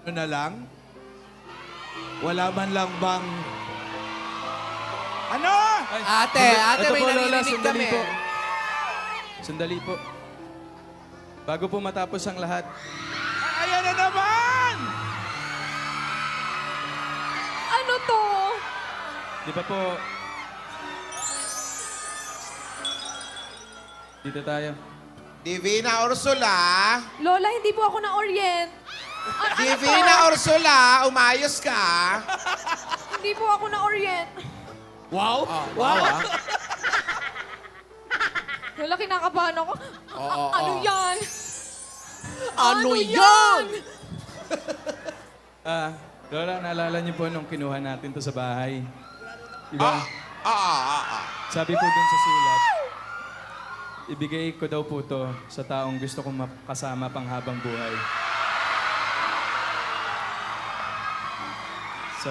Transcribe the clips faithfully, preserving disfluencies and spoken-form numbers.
Ano na lang? Wala man lang bang... Ano? Ay, Ate, sanda- ate, ito may po, Lola, naririnig sandali kami. po. Sandali po. Bago po matapos ang lahat, Ay, ayan na naman! Ano to? di ba po... Dito tayo. Divina Ursula. Lola, hindi po ako na-orient. A- ano Divina to? Ursula, umayos ka. Hindi po ako na-orient. Wow! Wow, ah. Lola, kinakabahan ako. A- Oo, ano oo. yan? Ano yan? Ah, Lola, naalala niyo po nung kinuha natin to sa bahay. Di Ah, ba? ah, ah, ah. Sabi po dun sa sulat, ibigay ko daw po to sa taong gusto kong makasama pang habang buhay. So,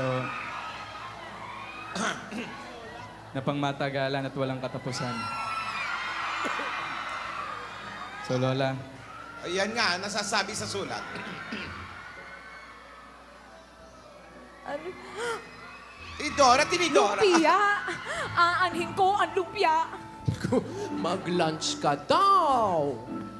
na pangmatagalan at walang katapusan. So, Lola, Ayan nga, nasasabi sa sulat. Ano? Idora, tinidora. Lumpia. Aanhin ko ang lumpia. Mag-lunch ka daw.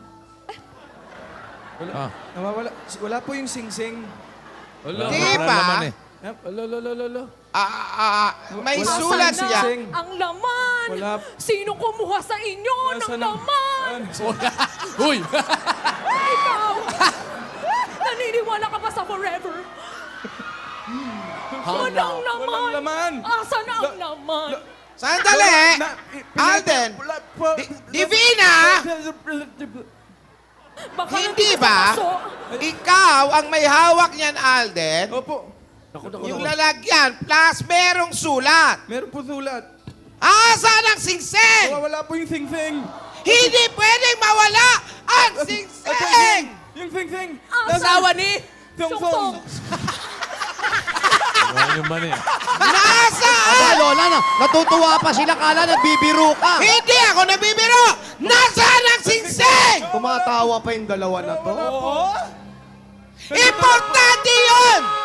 wala, Ah. nawawala, wala po yung sing-sing. Wala. Di Wala ba? naman eh. Yep, Lo, lo, lo, lo, lo. Ah, ah, ah, may Wala. sulat Nasaan siya. Sing. Ang laman. Wala. Sino kumuha sa inyo ng Nasaan ang- laman? Uy! Ikaw. Naniniwala ka ba sa forever? Walang laman. Walang laman. Asa na ang laman? Sandali! Na- Alden! Wala po. Di- Divina! Baka Hindi nandito ba? sa paso. Ikaw ang may hawak niyan, Alden. Opo. Yung lalagyan, plus merong sulat. Meron po sulat. Asan ang singseng? Wala po yung sing-sing. Hindi pwedeng mawala ang singseng! Yung sing-sing. Asawa ni... Song-song. Wala yung mani. Aba, Nasaan? Lola, na, natutuwa pa sila. Kala nagbibiro ka. Hindi ako nabibiro! Nasaan ang singseng? Tumatawa pa yung dalawa na to. Oo. Importante yun!